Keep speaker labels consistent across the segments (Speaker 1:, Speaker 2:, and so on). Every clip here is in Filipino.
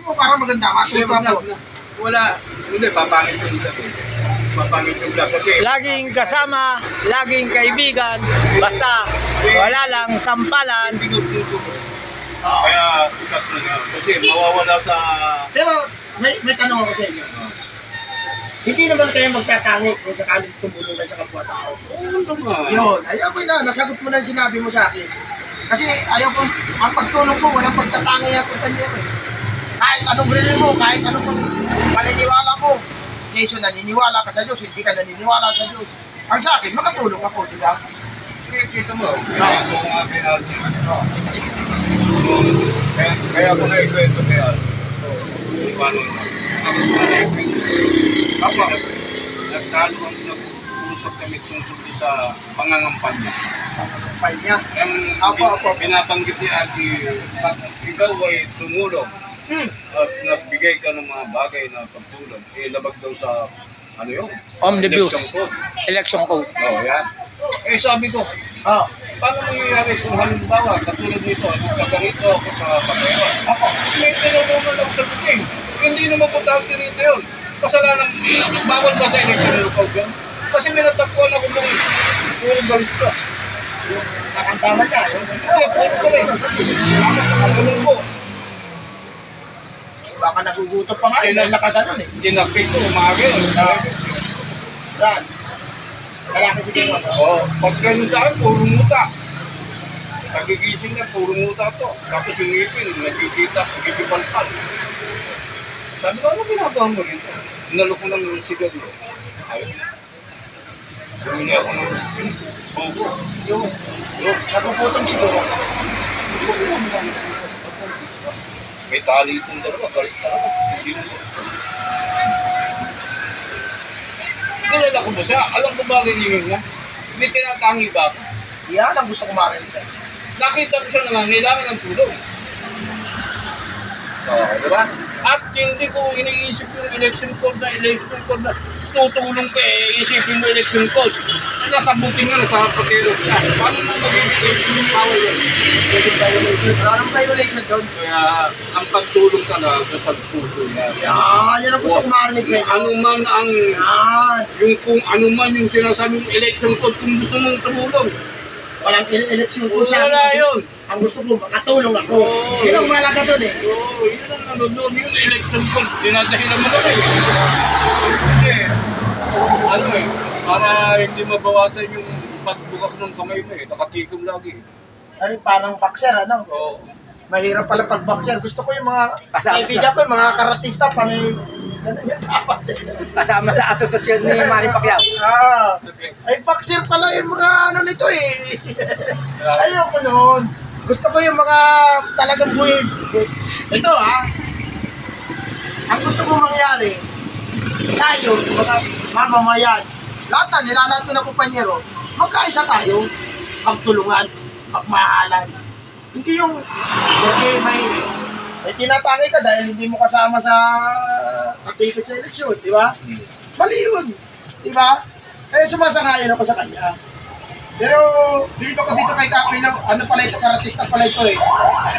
Speaker 1: mo para maganda. Matuto ako.
Speaker 2: Wala. Hindi, papangit yung vlog eh. Papangit yung vlog kasi...
Speaker 3: Laging kasama, laging kaibigan, basta wala lang sampalan.
Speaker 2: Kaya, ikat na nga. Kasi mawawala sa...
Speaker 1: Pero may tanong ako sa inyo. Hindi naman kayo magtatangi kung sakaling tumulong kayo sa kapwa-tao.
Speaker 2: Oo naman.
Speaker 1: Yun, ayaw ko na, nasagot mo na yung sinabi mo sa akin. Kasi ayaw ko, ang pagtulong ko, walang pagtatangi ang pagtangiyan eh. Kahit anong rilin mo, kahit anong paniniwala mo. Jason, naniniwala ka sa Diyos, hindi ka naniniwala sa Diyos. Ang sa akin, makatulong ako, di ba?
Speaker 2: Kita mo. Kaya ako na ikwento kaya. Paano na? Kapag nag-usap kami tungkol sa pangangampanya.
Speaker 1: Panya.
Speaker 2: Ang pinabanggit ni Ate, ikaw ay tumulong at nagbigay ka ng mga bagay na pagtulong. Labag daw sa ano yun?
Speaker 3: Omnibus.
Speaker 2: Election code.
Speaker 3: Election code.
Speaker 2: Oo, yan. Sabi ko, paano mangyayari kung halimbawa, katulad nito, nagkaganito ako sa pagkayawa. May tinulungan ako sa puting. Hindi naman po tawag tinito yun. Kasalanan, bawal ba sa election code yun? Kasi may natagpuan ako ng puro balista.
Speaker 1: Nakantama niya.
Speaker 2: Hindi, puro ko rin. Nakatulong ko.
Speaker 1: Baka nagugutom pa nga, dahil nakaganon eh.
Speaker 2: Tinapik ko, umaga yun.
Speaker 1: Brad, lalaki si King.
Speaker 2: Oo, pag ganun sa akin, puro muta. Nagigising na, puro muta to. Tapos yung ngipin, nagkikita, nagkikipalpal. Sabi ko, ano ginagawa mo rin? Inalo ko ng sigarilyo. Ayun. Bumili ako ng buko.
Speaker 1: Yung nagugutom siguro.
Speaker 2: May tali itong dalawa, galis talaga. Hindi mo. Kilala ko ba siya? Alam ko ba rin yun niya? May tinatangi ba ako?
Speaker 1: Yan ang gusto ko marinig sa'yo.
Speaker 2: Nakita ko siya nangangailangan ng tulong. Oo, diba? At hindi ko iniisip yung election code na tutulong ka isipin mo election code. Nasabutin nga sa pagkilo siya. Paano mo magiging yung power yun?
Speaker 1: Anong violation doon?
Speaker 2: Kaya ang pagtulong talaga sa puso niya.
Speaker 1: Yan ang gusto ko marinig sa'yo.
Speaker 2: Ano man ang
Speaker 1: Yan.
Speaker 2: yung kung ano man yung sinasabing election code kung gusto mong tumulong.
Speaker 1: Walang election ko sa
Speaker 2: Wala yun.
Speaker 1: Ang gusto ko, makatulong ako.
Speaker 2: Oo.
Speaker 1: Yun ang malaga doon eh.
Speaker 2: Oo, yun ang ano doon, yung election code. Dinadahilan mo na eh. Kasi, ano eh, para hindi mabawasan yung pagbukas ng kamay mo eh. Nakatikom lagi eh.
Speaker 1: Ay, parang boxer, ano?
Speaker 2: Oo.
Speaker 1: Mahirap pala pag boxer. Gusto ko yung mga
Speaker 3: Kasama
Speaker 1: kaibigan ko, yung mga karatista, panay, ganun yung dapat eh.
Speaker 3: Kasama sa asosasyon ni Manny Pacquiao.
Speaker 1: Ay, boxer pala yung mga ano nito eh. Ayoko noon. Gusto ko yung mga talagang weird. Ito ha, ang gusto ko mangyari, tayo, mga mamamayan, lahat na, nilalat ko na kumpanyero, magkaisa tayo, magtulungan, magmahalan. Hindi yung, okay, may tinatangay ka dahil hindi mo kasama sa ticket sa eleksyon, di ba? Mali yun, di ba? Eh, sumasangayon ako sa kanya. Pero, bilib ako dito kay Kapilo, ano pala ito, karatista pala ito eh.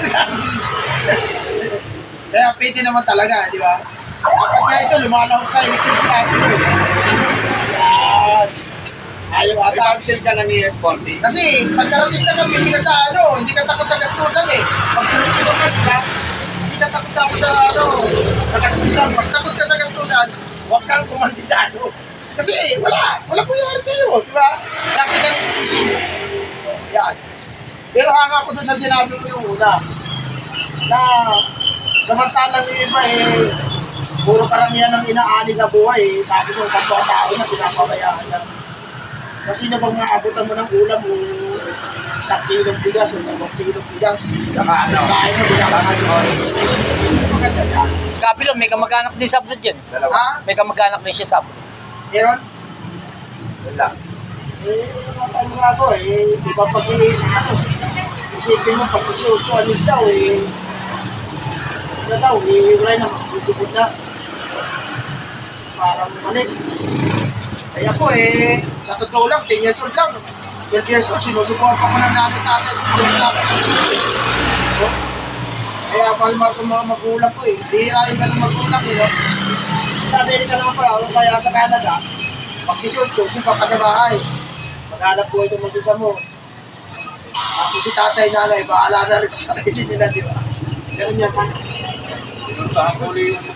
Speaker 1: Kaya pwede naman talaga, di ba? Dapat nga ito, lumalahok sa eleksyon sa Kapilo eh. Yes! Ayaw ata.
Speaker 2: Cancel ka lang ni Esporte.
Speaker 1: Kasi, pag karatista ka, hindi ka sa ano, hindi ka takot sa gastusan eh. Pag sunod-sunod ka, di ba? Hindi ka takot sa ano, sa gastusan. Pag takot ka sa gastusan, huwag kang kumandidado. Kasi wala po yan sa'yo, di ba? Capitalist. Yan. Pero hanga ko doon sa sinabi ko yung una, na samantalang yung iba eh, puro karamihan ng inaani sa buhay eh, sabi ko, kapwa-tao na pinapabayaan na. Kasi na bang maabutan mo ng ulam mo, isang kilong bigas o 2 kilong bigas, saka ano, kain mo, binabangan mo. Maganda yan.
Speaker 3: Kapilo, may kamag-anak din sa abroad yan.
Speaker 1: Ha?
Speaker 3: May kamag-anak din siya sa abroad.
Speaker 1: Meron?
Speaker 2: Wala.
Speaker 1: Wala tayong magagawa eh. Di ba pag-iisip ako? Isipin mo pag 18 anos daw eh. Ano daw eh, wala na, magtutupod na. Parang mali. Kaya po eh, sa totoo lang, 10 years old lang. 12 years old, sinusuporta ko ng nanay tatay. Kaya palma ko mga magulang ko eh. Hihirain ka ng magulang ko. No? Sa Amerika naman pala, kaya sa Canada, pag 18, sumpa ka sa bahay. Maghanap buhay itong mag-isa mo. Tapos si tatay, nanay, bahala na rin sa sarili nila, di ba? Ganun yan.
Speaker 2: Pinuntahan ko ulit yung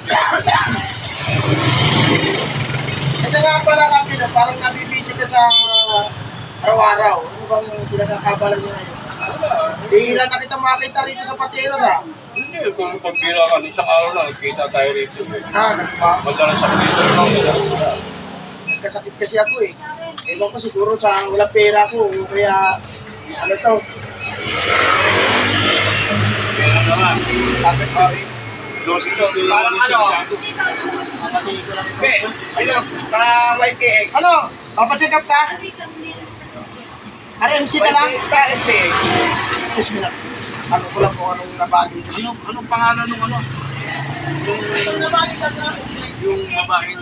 Speaker 1: Ito nga pala kami, no? Parang nabibisi ka sa araw-araw. Ano bang pinagkakabalan nyo ngayon? Bihila na kita makita rito sa patero na.
Speaker 2: Hindi, kung pagbira ka, isang araw lang, nagkita tayo rito.
Speaker 1: Ganun ba?
Speaker 2: Madalas sa dito lang.
Speaker 1: Nagkasakit kasi ako eh. Ewan ko siguro sa walang pera ko. Kaya, ano to?
Speaker 2: Kaya naman, bakit ba rin? Dosing ko,
Speaker 1: Parang ano?
Speaker 2: Be, hello, YTX.
Speaker 1: Ano? Papacheck up ka? RMC na lang?
Speaker 2: YTX ka, STX.
Speaker 1: Excuse me lang. Ano ko lang kung anong nabali ko.
Speaker 2: Anong pangalan nung ano?
Speaker 1: Anong nabali ka na?
Speaker 2: Yung babaeng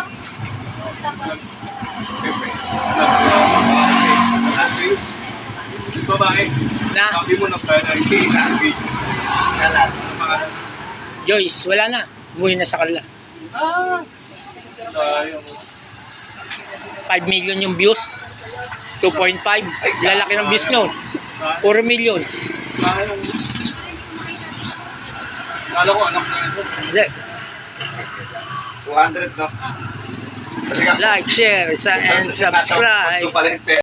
Speaker 2: babae.
Speaker 3: Na,
Speaker 2: Sabi mo na pwede, hindi sabi.
Speaker 3: kalat. Joyce, wala na. Umuwi na sa kanila.
Speaker 2: Sayang.
Speaker 3: 5 million yung views. 2.5. Lalaki ng views nyo. 4 million.
Speaker 2: Sayang. Kala ko anak na ito.
Speaker 3: Hindi.
Speaker 2: 200 na.
Speaker 3: Like, share, and subscribe.
Speaker 2: Ito pala yung